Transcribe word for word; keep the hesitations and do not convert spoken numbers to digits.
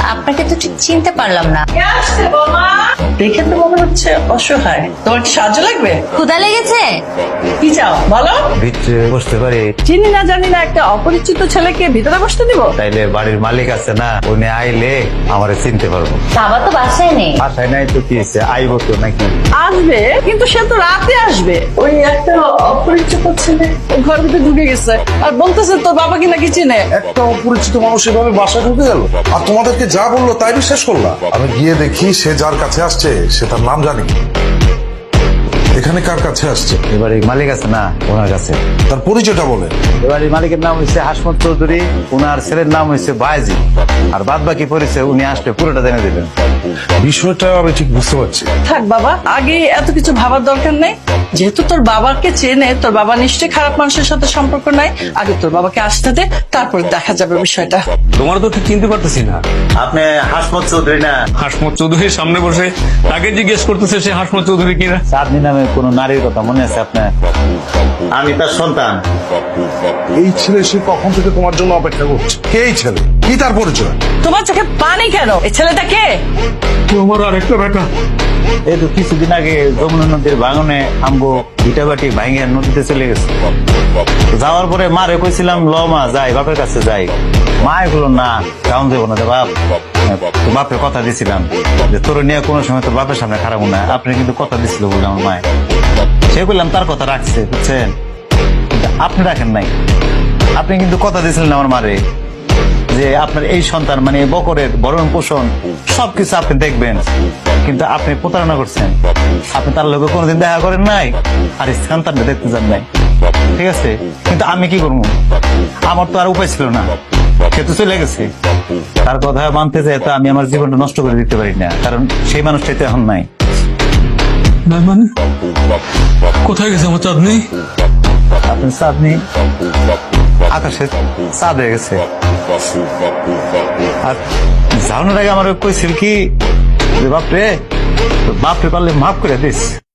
আপনাকে তো ঠিক চিনতে পারলাম না। দেখে তো মনে হচ্ছে অসহায়। তোমার কি সাহায্য লাগবে? ক্ষুধা লেগেছে? কি চাও বলো? ভিতরে বসতে পারি? চিনি না জানি না একটা অপরিচিত ছেলেকে ভিতরে বসতে দিব? তাইলে বাড়ির মালিক আছে না, উনি আইলে আমারে চিনতে পারবো। বাবা তো বাসায় নেই। বাসায় নাই তো কি হয়েছে, আইবো তো নাকি? আসবে, কিন্তু সে তো রাতে আসবে। ওই একটা অপরিচিত ছেলে ঘর ভিতরে ঢুকে গেছে আর বলতেছে তোর বাবা কি নাকি চিনে। একটা অপরিচিত মানুষ এভাবে বাসায় ঢুকে গেল আর তোমাদেরকে যা বললো তাই বিশ্বাস করলা? আমি গিয়ে দেখি সে যার কাছে আসছে সে তার নাম জানি। এখানে কার কাছে আসছে? এবারে মালিক আছে না, ওনার কাছে। তার পরিচয়টা বলে। এবারে মালিকের নাম হচ্ছে হাসমত চৌধুরী, ওনার ছেলের নাম হচ্ছে বায়জি। আর বাদ বাকি পরিচয় উনি আসলে পুরোটা জেনে দিবেন। বিষয়টা আমি ঠিক বুঝতে পারছি। থাক বাবা, আগে এত কিছু ভাবার দরকার নেই। যেহেতু তোর বাবাকে চেনে, তোর বাবা নিশ্চয়ই খারাপ মানুষের সাথে সম্পর্ক নাই। আগে তোর বাবাকে আসতে দে, তারপর দেখা যাবে বিষয়টা। তোমার তো ঠিক চিনতে পারতেছি না। আপনি হাসমত চৌধুরী না? হাসমত চৌধুরীর সামনে বসে তাকে জিজ্ঞেস করতেছে সে হাসমত চৌধুরী কিনা। চাঁদনি নামে কোন নারীর কথা মনে আছে আপনার? আমি তার সন্তান। এই ছেলে সে কখন থেকে তোমার জন্য অপেক্ষা করছে। কে এই ছেলে? কি তার পরিচয়? তোমার চোখে পানি কেন? এই ছেলেটা কে? তোমার আরেকটা বেটা। এই তো কিছুদিন আগে যমুনা নদীর ভাঙনে আমগো ইটাবাটি ভাঙে নদীতে চলে গেছে। যাওয়ার পরে মারে কইছিলাম ল মা যাই, বাপের কাছে যাই। মা এগুলো না, কাউন দেবো না বাপ। তো বাপের কথা দিছিলাম যে তোর নিয়ে কোনো সময় তোর বাপের সামনে খারাপ না। আপনি কিন্তু কথা দিছিল বলে আমার মায়, সে বললাম তার কথা রাখছে, বুঝছেন? কিন্তু আপনি রাখেন নাই। আপনি কিন্তু কথা দিয়েছিলেন আমার মারে যে আপনার এই সন্তান মানে বকরের ভরণ পোষণ সবকিছু আপনি দেখবেন, কিন্তু আপনি প্রতারণা করছেন। আপনি তার লোকে কোনোদিন দেখা করেন নাই আর সন্তানটা দেখতে যান নাই, ঠিক আছে? কিন্তু আমি কি করবো, আমার তো আর উপায় ছিল না, সে তো চলে গেছে। তার কথা মানতে চাই তো আমি আমার জীবনটা নষ্ট করে দিতে পারি না, কারণ সেই মানুষটাই তো এখন নাই। না মানে কোথায় গেছে আমার চাঁদনি? আপনি চাঁদনি আকাশে চাঁদ হয়ে গেছে। আর যাওয়ানোর আগে আমার কইছিল কি যে বাপরে বাপরে পারলে মাফ করে দিস।